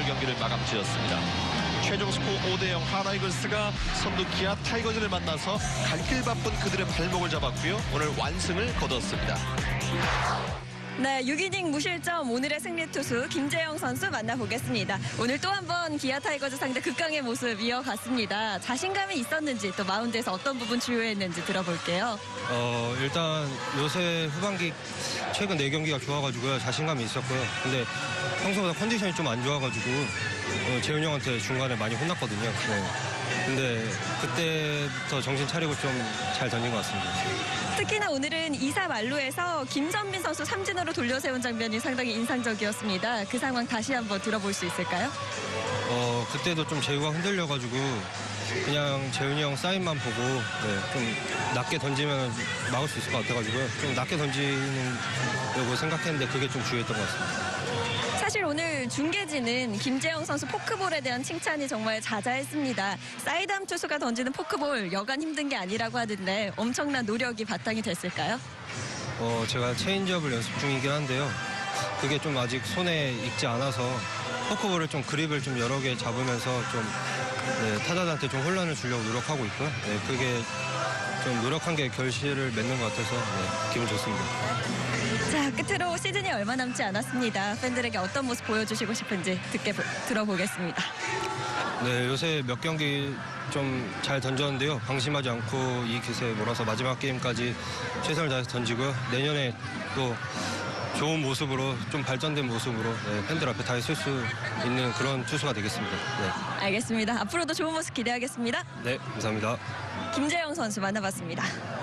경기를 마감 지었습니다. 최종 스코어 5대0 하나이글스가 선두 기아 타이거즈를 만나서 갈 길 바쁜 그들의 발목을 잡았고요. 오늘 완승을 거뒀습니다. 네, 6이닝 무실점 오늘의 승리 투수 김재영 선수 만나보겠습니다. 오늘 또 한 번 기아 타이거즈 상대 극강의 모습 이어갔습니다. 자신감이 있었는지 또 마운드에서 어떤 부분 주요했는지 들어볼게요. 일단 요새 후반기 최근 4경기가 좋아가지고요. 자신감이 있었고요. 근데 평소보다 컨디션이 좀 안 좋아가지고 재훈이 형한테 중간에 많이 혼났거든요. 네. 근데 그때부터 정신 차리고 좀 잘 던진 것 같습니다. 특히나 오늘은 2사 만루에서 김전민 선수 삼진으로 돌려세운 장면이 상당히 인상적이었습니다. 그 상황 다시 한번 들어볼 수 있을까요? 그때도 좀 재우가 흔들려가지고 그냥 재훈이 형 사인만 보고 좀 낮게 던지면 막을 수 있을 것 같아가지고요. 좀 낮게 던지려고 생각했는데 그게 좀 주요했던 것 같습니다. 사실 오늘 중계진은 김재영 선수 포크볼에 대한 칭찬이 정말 자자했습니다. 사이드암 투수가 던지는 포크볼 여간 힘든 게 아니라고 하던데 엄청난 노력이 바탕이 됐을까요? 제가 체인지업을 연습 중이긴 한데요. 그게 좀 아직 손에 익지 않아서 포크볼을 좀 그립을 좀 여러 개 잡으면서 좀 타자들한테 좀 혼란을 주려고 노력하고 있고요. 그게 좀 노력한 게 결실을 맺는 것 같아서 기분 좋습니다. 자, 끝으로 시즌이 얼마 남지 않았습니다. 팬들에게 어떤 모습 보여주시고 싶은지 들어보겠습니다. 네, 요새 몇 경기 좀 잘 던졌는데요. 방심하지 않고 이 기세에 몰아서 마지막 게임까지 최선을 다해서 던지고요. 내년에 또 좋은 모습으로 좀 발전된 모습으로 팬들 앞에 다 있을 수 있는 그런 투수가 되겠습니다. 네. 알겠습니다. 앞으로도 좋은 모습 기대하겠습니다. 네, 감사합니다. 김재영 선수 만나봤습니다.